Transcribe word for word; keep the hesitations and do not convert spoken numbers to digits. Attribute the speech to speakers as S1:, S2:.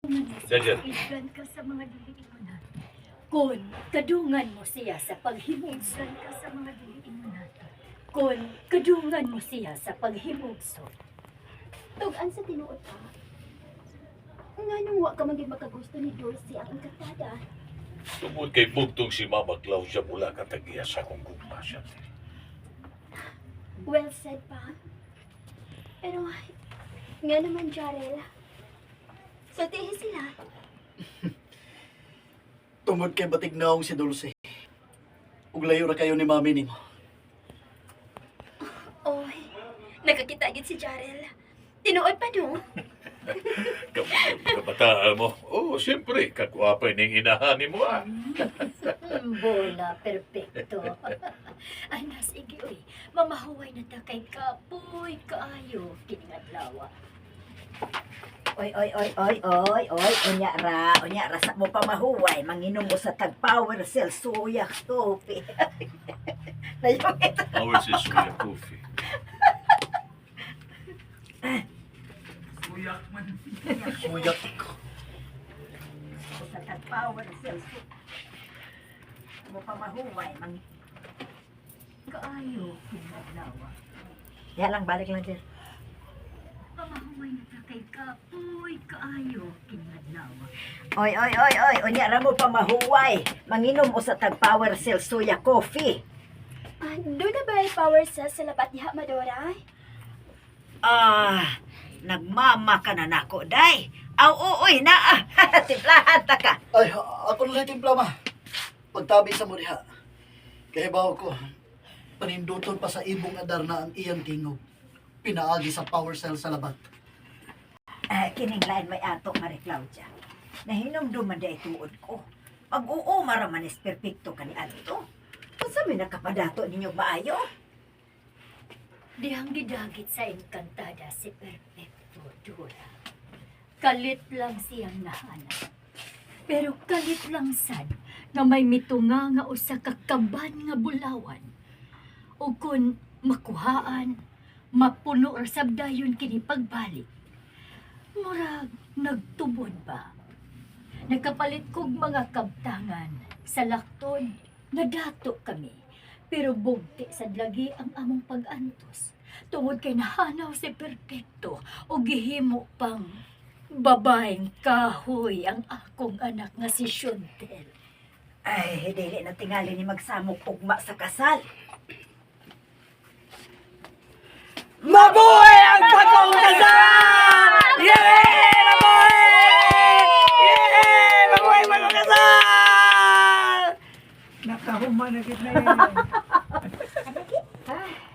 S1: Dagan.
S2: Islan ka sa mga diliinan. Kun kadungan mo siya sa paghimugso. Islan ka sa mga diliinan. Kun kadungan mo siya sa paghimugso.
S3: Tugan sa tinuod pa. Nga nung wa ka maging makagusto ni Dulce ang engkantada.
S1: Tungod kay bugtong si Mama Claudia mula katagiya sa kong gugma siya.
S3: Well said pa. Pero nga naman, Jarel. So, tihi sila.
S4: Tungod kay batig naong si Dulce. Ug layo ra kayo ni mami nimo.
S3: Oy, nakakita gid si Jarel. Tinuod pa no?
S1: Kabataan mo. Oo, oh, siyempre, kakwapay ning inahani mo ah.
S2: Hmm, bola, perfecto. Ana, sige, uy. Mamahuway na ta kay kapoy, kaayo, kiningadlawa.
S5: Oy, oy, oy, oy, oy, oy, unya ra, unya ra sa mo pa mahuway, manginom mo sa tag power cell suya coffee. Layong ito.
S1: Power si Suya Coffee. Suyak man.
S4: Suyat ko.
S5: Sa tag power cell suya. Mo pa mahuway, mang
S2: Kaayo, kiningadlawa.
S5: ya lang, balik lang dyan.
S2: Mamahuway na ta kay kapoy, kaayo, kiningadlawa.
S5: Oy, oy, oy, oy, unya ra mo pa mahuway, manginom mo sa tag power cell suya coffee.
S3: Ah, doon na ba ay power cells sa labat diha, Madora?
S5: Ah, nagmama ka na nako, day. Aw, uy, na ah, timplahan ta ka.
S4: Ay, ako na lang timpla ma. Pagtabi sa mo diha. Kaya bawo ko, paninduton pa sa ibong adar na ang iyang tingog. Pinaagi sa power cell sa labat.
S5: Ah, kining lain may ato, Marie Claudia. Nahinom duman da ituod ko. Pag oo, maramanis perpekto ka ni Adto. Kung sabi nakapadato ninyo maayo?
S2: Dihang gidagit sa engkantada si Perfecto Dura. Kalit lang siyang nahanap. Pero kalit lang sad na may mitunga nga usa ka kaban nga bulawan. O kun makuhaan, mapuno or sabdayon kini pagbalik. Murag nagtubod ba? Nagkapalit kog mga kabtangan sa lakton, nadato kami. Pero bugti sa lagi ang among pag-antos. Tungod kay nahanaw si Perfecto o gihimo pang babaeng kahoy ang akong anak nga si Shuntel.
S5: Ay, dili na tingali ni magsamok ugma sa kasal.
S6: Mabuhay ang bagong kasal! Yay! Mabuhay! Yay! Mabuhay ang bagong kasal! Nakahuman na kita yun.